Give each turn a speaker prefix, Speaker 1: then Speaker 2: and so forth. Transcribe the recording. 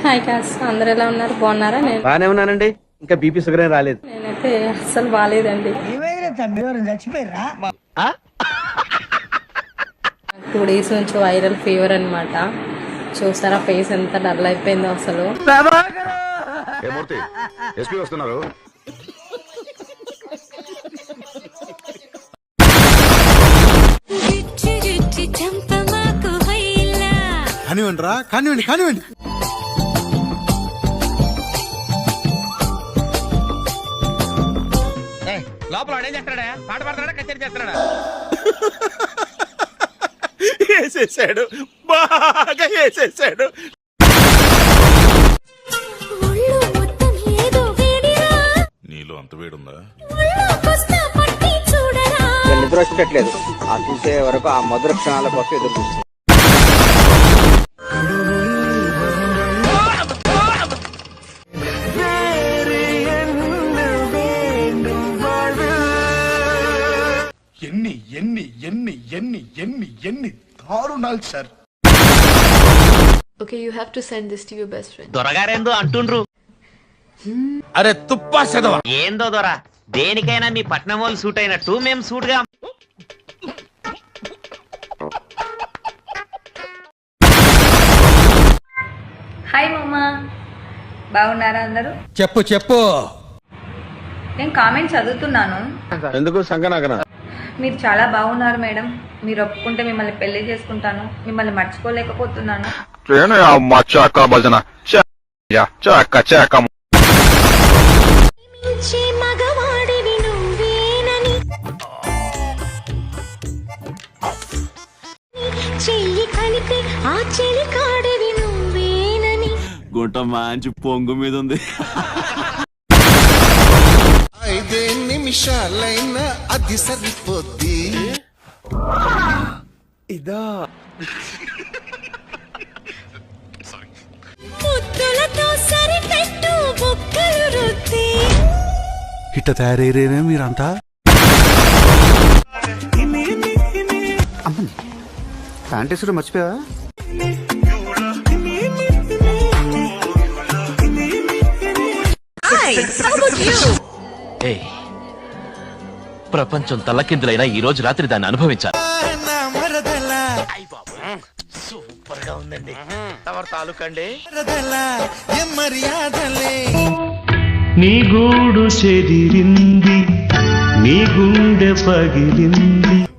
Speaker 1: Hi క్యాస్, అందరు ఎలా ఉన్నారు? బాగున్నారా? నేను
Speaker 2: బానే ఉన్నానండి. ఇంకా బీపీ షుగర్ ఏం రాలేదు.
Speaker 1: నేనైతే అస్సలు బాగాలేదండి. 2 days నుంచి వైరల్ ఫీవర్ అన్నమాట. చూసారా ఫేస్ ఎంత డల్ అయిపోయిందో అసలు.
Speaker 3: కానివ్వండి రా, కానివ్వండి కానివ్వండి.
Speaker 4: లోపల ఏం చేస్తాడా? పాట పాడతాడా? కచేరీ చేస్తాడా?
Speaker 3: వేసేసాడు, బాగా వేసేసాడు. నీలో అంత వేడుందా?
Speaker 2: నిద్ర వచ్చేటట్లేదు. ఆ చూసే వరకు ఆ మధుర క్షణాల కోసం ఎదురు చూస్తుంది.
Speaker 3: ఎన్ని ఎన్ని ఎన్ని ఎన్ని ఎన్ని ఎన్ని దారుణాలు sir.
Speaker 5: Okay, you have to send this to your best friend.
Speaker 4: దొరగారేందో అంటుండ్రు.
Speaker 3: అరే తుప్పా చదవ.
Speaker 4: ఏందో దొర, దేనికైనా మీ పట్నం వాళ్ళు సూట్ అయినట్టు మేము సూట్ గా.
Speaker 6: హాయ్ మమ్మా, బాగున్నారా అందరూ?
Speaker 3: చెప్పు చెప్పు.
Speaker 6: నేను కామెంట్ చదువుతున్నాను.
Speaker 2: ఎందుకు సంగనాగన?
Speaker 6: మీరు చాలా బాగున్నారు మేడం. మీరు ఒప్పుకుంటే మిమ్మల్ని పెళ్లి చేసుకుంటాను. మిమ్మల్ని మర్చిపోలేకపోతున్నాను.
Speaker 7: గుంట మంచి పొంగు మీద ఉంది.
Speaker 3: 5 నిమిషాలైనా అది సరిపోద్ది. ఇదా ఇట్ట తయారయ్యేనే మీరంతా.
Speaker 2: ప్యాంటేసుడు మర్చిపోయావా?
Speaker 4: ప్రపంచం తల్లకిందులైనా ఈ రోజు రాత్రి దాన్ని అనుభవించాలి. సూపర్ గా ఉందండి. తమరు తాలూకండి.
Speaker 8: నీ గూడు చెదిరింది, నీ గుండె పగిలింది.